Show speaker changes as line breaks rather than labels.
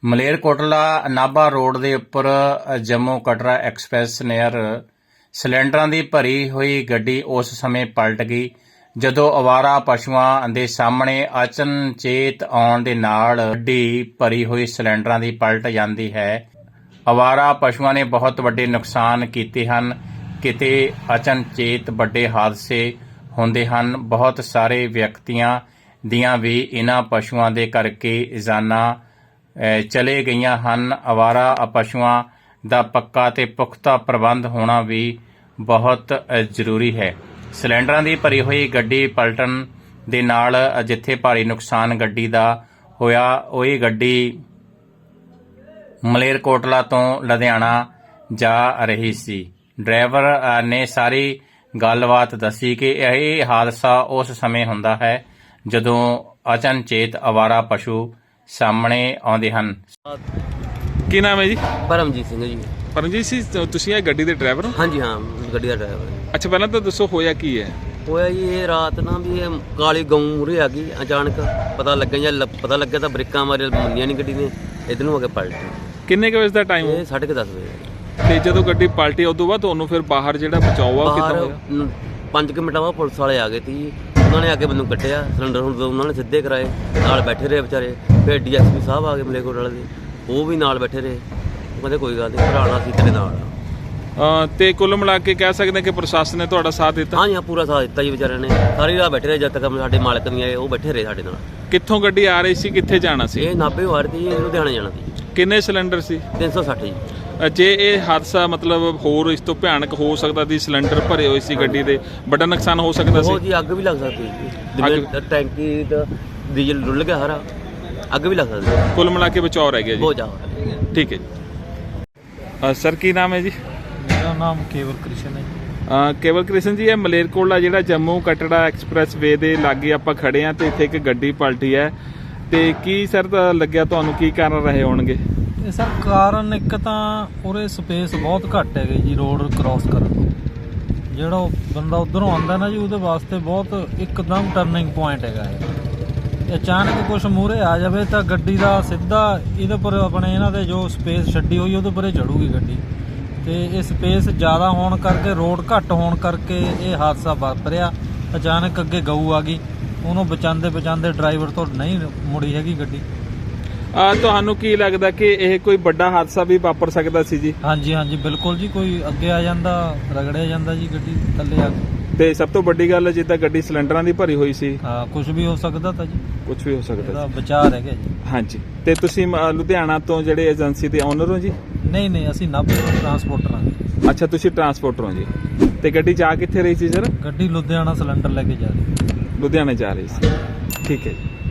Malerkotla Nabha road ਦੇ ਉੱਪਰ Jammu Katra express near ਸਿਲੰਡਰਾਂ ਦੀ ਭਰੀ ਹੋਈ ਗੱਡੀ ਉਸ ਸਮੇਂ ਪਲਟ ਗਈ ਜਦੋਂ ਅਵਾਰਾ ਪਸ਼ੂਆਂ ਦੇ ਸਾਹਮਣੇ ਅਚਨਚੇਤ ਆਉਣ ਦੇ ਨਾਲ ਗੱਡੀ ਭਰੀ ਹੋਈ ਸਿਲੰਡਰਾਂ ਦੀ ਪਲਟ ਜਾਂਦੀ ਹੈ। ਅਵਾਰਾ ਪਸ਼ੂਆਂ ਨੇ ਬਹੁਤ ਵੱਡੇ ਨੁਕਸਾਨ ਕੀਤੇ ਹਨ। ਕਿਤੇ ਅਚਨਚੇਤ ਵੱਡੇ ਹਾਦਸੇ ਹੁੰਦੇ ਹਨ। ਬਹੁਤ ਸਾਰੇ ਵਿਅਕਤੀਆਂ ਦੀਆਂ ਵੀ ਇਹਨਾਂ ਪਸ਼ੂਆਂ ਦੇ ਕਰਕੇ ਜਾਨਾਂ ਚਲੇ ਗਈਆਂ ਹਨ। ਅਵਾਰਾ ਪਸ਼ੂਆਂ ਦਾ ਪੱਕਾ ਤੇ ਪੁਖਤਾ ਪ੍ਰਬੰਧ ਹੋਣਾ ਵੀ ਬਹੁਤ ਜ਼ਰੂਰੀ ਹੈ। ਸਿਲੰਡਰਾਂ ਦੀ ਭਰੀ ਹੋਈ ਗੱਡੀ ਪਲਟਣ ਦੇ ਨਾਲ ਜਿੱਥੇ ਭਾਰੀ ਨੁਕਸਾਨ ਗੱਡੀ ਦਾ ਹੋਇਆ, ਉਹੀ ਗੱਡੀ ਮਲੇਰਕੋਟਲਾ ਤੋਂ ਲੁਧਿਆਣਾ ਜਾ ਰਹੀ ਸੀ। ਡਰਾਈਵਰ ਨੇ ਸਾਰੀ ਗੱਲਬਾਤ ਦੱਸੀ ਕਿ ਇਹ ਹਾਦਸਾ ਉਸ ਸਮੇਂ ਹੁੰਦਾ ਹੈ ਜਦੋਂ ਅਚਨਚੇਤ ਅਵਾਰਾ ਪਸ਼ੂ ਸਾਹਮਣੇ ਆਉਂਦੇ ਹਨ।
ਕੀ ਨਾਮ ਹੈ ਜੀ?
परमजीत सिंह जी।
ਪਰਮਜੀਤ ਜੀ, ਤੁਸੀਂ ਇਹ ਗੱਡੀ ਦੇ ਡਰਾਈਵਰ ਹੋ?
हाँ जी, हाँ गड्डी का ड्राइवर है।
ਅੱਛਾ, ਪਹਿਲਾਂ ਤਾਂ ਦੱਸੋ ਹੋਇਆ ਕੀ ਹੈ?
होया जी ये रात ना भी ये काली गऊ मुरे आ गई अचानक, पता लगे या पता लगे तो ब्रेकां मारे मंनिया नहीं गड्डी ने, इधर हो के पलटी।
ਕਿੰਨੇ ਕੁ ਵਜੇ ਦਾ ਟਾਈਮ
ये 10:30 बजे
ਤੇ ਜਦੋਂ ਗੱਡੀ ਪਲਟੀ ਉਦੋਂ ਬਾਅਦ ਤੁਹਾਨੂੰ ਫਿਰ ਬਾਹਰ ਜਿਹੜਾ ਬਚਾਓ ਆ ਉਹ ਕਿੱਦਾਂ ਹੋਇਆ?
बाहर 5 मिनट बाद पुलिस वाले आ गए थे जी। उन्होंने आके मैनू कट्टिया सिलेंडर उन्होंने सीधे कराए, नाल बैठे रहे बेचारे। फिर DSP साहब आ गए मलेरकोटला दे, वो भी नाल बैठे रहे। वो कहते कोई गल नहीं, भराना सी तेरे नाल।
ਤੇ ਕੁੱਲ ਮਿਲਾ ਕੇ ਕਹਿ ਸਕਦੇ ਕਿ ਪ੍ਰਸ਼ਾਸਨ ਨੇ ਤੁਹਾਡਾ ਸਾਥ ਦਿੱਤਾ?
हाँ जी, हाँ पूरा साथ दिता जी बेचारे ने। सारी रात बैठे रहे जब तक साडे मालक नहीं आए, वो बैठे रहे साडे नाल।
ਕਿੱਥੋਂ ਗੱਡੀ ਆ ਰਹੀ ਸੀ, ਕਿੱਥੇ ਜਾਣਾ ਸੀ?
ਇਹ ਨਾਭੇ ਆ ਰਹੀ ਸੀ, ਲੁਧਿਆਣੇ ਜਾਣਾ ਸੀ।
ਕਿੰਨੇ ਸਿਲੰਡਰ ਸੀ?
360 ਜੀ।
ਜੇ ਇਹ ਹਾਦਸਾ ਮਤਲਬ ਹੋਰ ਇਸ ਤੋਂ ਭਿਆਨਕ ਹੋ ਸਕਦਾ ਸੀ, ਸਿਲੰਡਰ ਭਰੇ ਹੋਏ ਸੀ ਗੱਡੀ ਦੇ, ਵੱਡਾ ਨੁਕਸਾਨ ਹੋ ਸਕਦਾ ਸੀ।
ਉਹ ਜੀ ਅੱਗ ਵੀ ਲੱਗ ਸਕਦੀ ਸੀ, ਜਿਵੇਂ ਟੈਂਕੀ ਦਾ ਡੀਜ਼ਲ ਡੁੱਲ ਗਿਆ ਸਾਰਾ, ਅੱਗ ਵੀ ਲੱਗ ਸਕਦੀ ਸੀ।
ਕੁੱਲ ਮਿਲਾ ਕੇ ਬਚਾਓ ਰਹਿ ਗਿਆ ਜੀ।
ਬਹੁਤ ਜ਼ਿਆਦਾ।
ਠੀਕ ਹੈ ਜੀ। ਸਰ ਕੀ ਨਾਮ ਹੈ ਜੀ?
ਮੇਰਾ ਨਾਮ ਕੇਵਲ ਕ੍ਰਿਸ਼ਨ ਹੈ ਜੀ।
ਕੇਵਲ ਕ੍ਰਿਸ਼ਨ ਜੀ, ਇਹ ਮਲੇਰਕੋਟਲਾ ਜਿਹੜਾ ਜੰਮੂ ਕਟੜਾ ਐਕਸਪ੍ਰੈਸ ਵੇ ਦੇ ਲਾਗੇ ਆਪਾਂ ਖੜੇ ਆ ਤੇ ਇੱਥੇ ਇੱਕ ਗੱਡੀ ਪਲਟੀ ਹੈ, ਤੇ ਕੀ ਸਰ ਲੱਗਿਆ ਤੁਹਾਨੂੰ, ਕੀ ਕਾਰਨ ਰਹੇ ਹੋਣਗੇ?
ਇਹ ਸਰ ਕਾਰਨ ਇੱਕ ਤਾਂ ਉਰੇ ਸਪੇਸ ਬਹੁਤ ਘੱਟ ਹੈਗੇ ਜੀ ਰੋਡ ਕ੍ਰਾਸ ਕਰਨ ਤੋਂ। ਜਿਹੜਾ ਉਹ ਬੰਦਾ ਉਧਰੋਂ ਆਉਂਦਾ ਨਾ ਜੀ, ਉਹਦੇ ਵਾਸਤੇ ਬਹੁਤ ਇੱਕਦਮ ਟਰਨਿੰਗ ਪੁਆਇੰਟ ਹੈਗਾ ਇਹ। ਅਚਾਨਕ ਕੁਛ ਮੂਹਰੇ ਆ ਜਾਵੇ ਤਾਂ ਗੱਡੀ ਦਾ ਸਿੱਧਾ ਇਹਦੇ ਪਰ ਆਪਣੇ ਇਹਨਾਂ ਦੇ ਜੋ ਸਪੇਸ ਛੱਡੀ ਹੋਈ ਉਹਦੇ ਪਰੇ ਚੜੂਗੀ ਗੱਡੀ, ਤੇ ਇਹ ਸਪੇਸ ਜ਼ਿਆਦਾ ਹੋਣ ਕਰਕੇ, ਰੋਡ ਘੱਟ ਹੋਣ ਕਰਕੇ ਇਹ ਹਾਦਸਾ ਵਾਪਰਿਆ। ਅਚਾਨਕ ਅੱਗੇ ਗਊ ਆ ਗਈ, ਉਹਨੂੰ ਬਚਾਉਂਦੇ ਡਰਾਈਵਰ ਤੋਂ ਨਹੀਂ ਮੁੜੀ ਹੈਗੀ ਗੱਡੀ।
ਤੁਹਾਨੂੰ ਕੀ ਲੱਗਦਾ ਕਿ ਇਹ ਕੋਈ ਵੱਡਾ ਹਾਦਸਾ ਵੀ ਵਾਪਰ ਸਕਦਾ ਸੀ ਜੀ?
ਹਾਂਜੀ ਹਾਂਜੀ ਬਿਲਕੁਲ ਜੀ, ਕੋਈ ਅੱਗੇ ਆ ਜਾਂਦਾ, ਰਗੜਿਆ ਜਾਂਦਾ ਜੀ ਗੱਡੀ ਥੱਲੇ ਆ ਕੇ।
ਤੇ ਸਭ ਤੋਂ ਵੱਡੀ ਗੱਲ ਜਿੱਦਾਂ ਗੱਡੀ ਸਿਲੰਡਰਾਂ ਦੀ ਭਰੀ ਹੋਈ ਸੀ,
ਹਾਂ ਕੁਝ ਵੀ ਹੋ ਸਕਦਾ ਤਾਂ ਜੀ,
ਕੁਝ ਵੀ ਹੋ ਸਕਦਾ
ਇਹਦਾ
ਸੀ।
ਬਚਾਅ ਰਹਿ ਗਿਆ ਜੀ।
ਹਾਂਜੀ, ਤੇ ਤੁਸੀਂ ਲੁਧਿਆਣਾ ਤੋਂ ਜਿਹੜੇ ਏਜੰਸੀ ਦੇ ਓਨਰ ਹੋ ਜੀ?
ਨਹੀਂ ਅਸੀਂ ਨਾਭੇ ਤੋਂ ਟਰਾਂਸਪੋਰਟਰ ਹਾਂ।
ਅੱਛਾ, ਤੁਸੀਂ ਟਰਾਂਸਪੋਰਟਰ ਹੋ ਜੀ। ਤੇ ਗੱਡੀ ਜਾ ਕਿੱਥੇ ਰਹੀ ਸੀ ਸਰ?
ਗੱਡੀ ਲੁਧਿਆਣਾ ਸਿਲੰਡਰ ਲੈ ਕੇ ਜਾ ਰਹੀ।
ਲੁਧਿਆਣੇ ਜਾ ਰਹੀ ਸੀ। ਠੀਕ ਹੈ ਜੀ।